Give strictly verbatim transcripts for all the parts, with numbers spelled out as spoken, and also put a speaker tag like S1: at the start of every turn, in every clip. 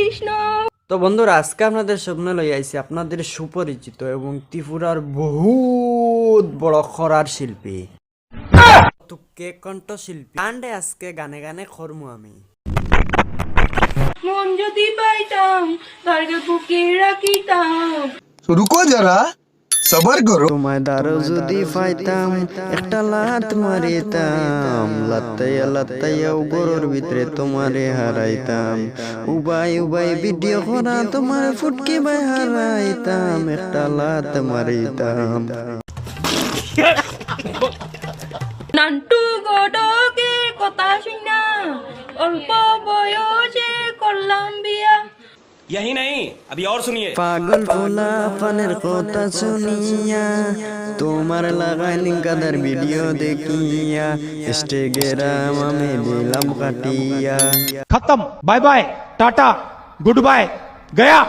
S1: কৃষ্ণ।
S2: তো বন্ধুরা, আজকে আপনাদের সামনে লই আইছি আপনাদের সুপরিচিত এবং ত্রিপুরার বহুত বড় খরার শিল্পী তুকে কণ্ঠশিল্পী আন্ডে আজকে গানে গানে খরমু আমি।
S1: মন যদি পাইতাম তারকে বুকে রাখিতাম।
S3: रुको जरा सबर करो।
S2: তোমায় দারো যদি পাইতাম একটা লাত মারিতাম, লাত্তাইয়া লাত্তাইয়া গরুর ভিতরে তোমারে হারাইতাম, উবাই উবাই ভিডিও করা তোমার ফুটকি বাই হারাইতাম, একটা লাত মারিতাম।
S1: নান্টু গডকে কথা শুনা অল্প বয়সে করলাম বিয়া।
S4: यही नहीं अभी और सुनिए।
S2: পাগল পোলা পানের কথা শুনিয়া তোমার লাগাইনি কাদার ভিডিও দেখিয়া ইনস্টাগ্রাম আমি দিলাম কাটিয়া।
S5: खत्म, bye bye, tata, good bye, गया।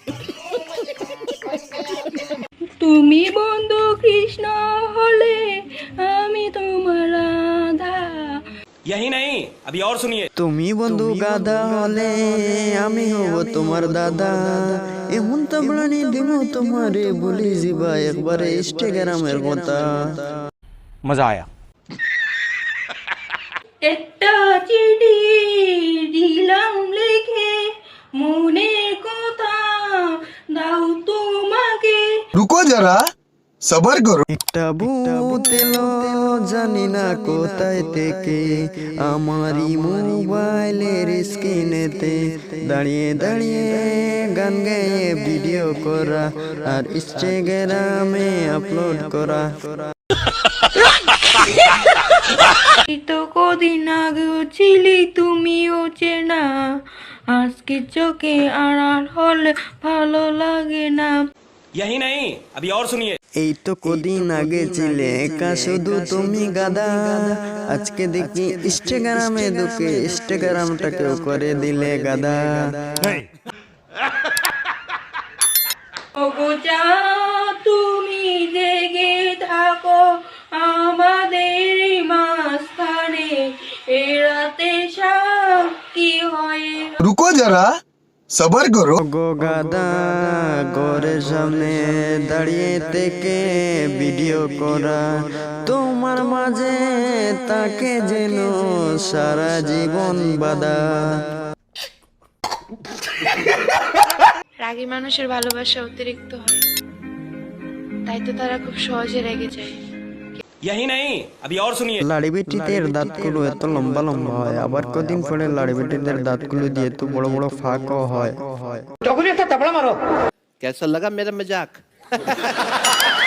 S1: তুমি বন্ধু কৃষ্ণ হলে আমি তোমার রাধা।
S4: यही नहीं अभी और सुनिए।
S2: তুমি বন্ধু গাধা হলে আমি হব তোমার দাদা, এমন তাবলানি দিব তোমারে বলি যাবা একবারে ইনস্টাগ্রামের কথা।
S5: मजा आया।
S1: একটা চিঠি দিলাম লিখে মনের কথা দাও তোমাকে।
S3: रुको जरा सबर करो।
S2: একটা ভূত এলো জানি না কোথায় থেকে আমারই মোবাইলের স্ক্রিনেতে দাঁড়িয়ে দাঁড়িয়ে গান গেয়ে ভিডিও করা আর ইনস্টাগ্রামে আপলোড করা।
S1: তো কদিন আগে ছিলি তুমিও চেনা, আজকে চোখে আড়াল হলে ভালো লাগে না।
S4: यही नहीं अभी और सुनिए।
S2: এই তো কদিন আগে ছিলে একা শুধু তুমি গাদা, আজকে দেখি ইনস্টাগ্রামে ঢুকে ইনস্টাগ্রামটাকেও করে দিলে গাদা।
S1: ওগো যা তুমি জেগে থাকো আমাদের মাঝখানে, এ রাতে সাক্ষী হয়ে।
S3: रुको जरा सबर करो।
S2: গো গাদা ঘরের সামনে দাঁড়িয়ে থেকে ভিডিও করা তোমার মাঝে তাকে যেন সারা জীবন বাদা।
S6: রাগী মানুষের ভালোবাসা অতিরিক্ত হয়, তাই তো তারা খুব সহজে রেগে যায়।
S4: यही नहीं अभी और सुनिए।
S2: লাড়ি বেটিদের দাঁতগুলো এত লম্বা লম্বা হয়, আবার কদিন পরে লাড়ি বেটিদের দাঁতগুলো দিয়ে তো বড় বড় ফাঁকও হয়।
S7: कैसा लगा मेरा मजाक?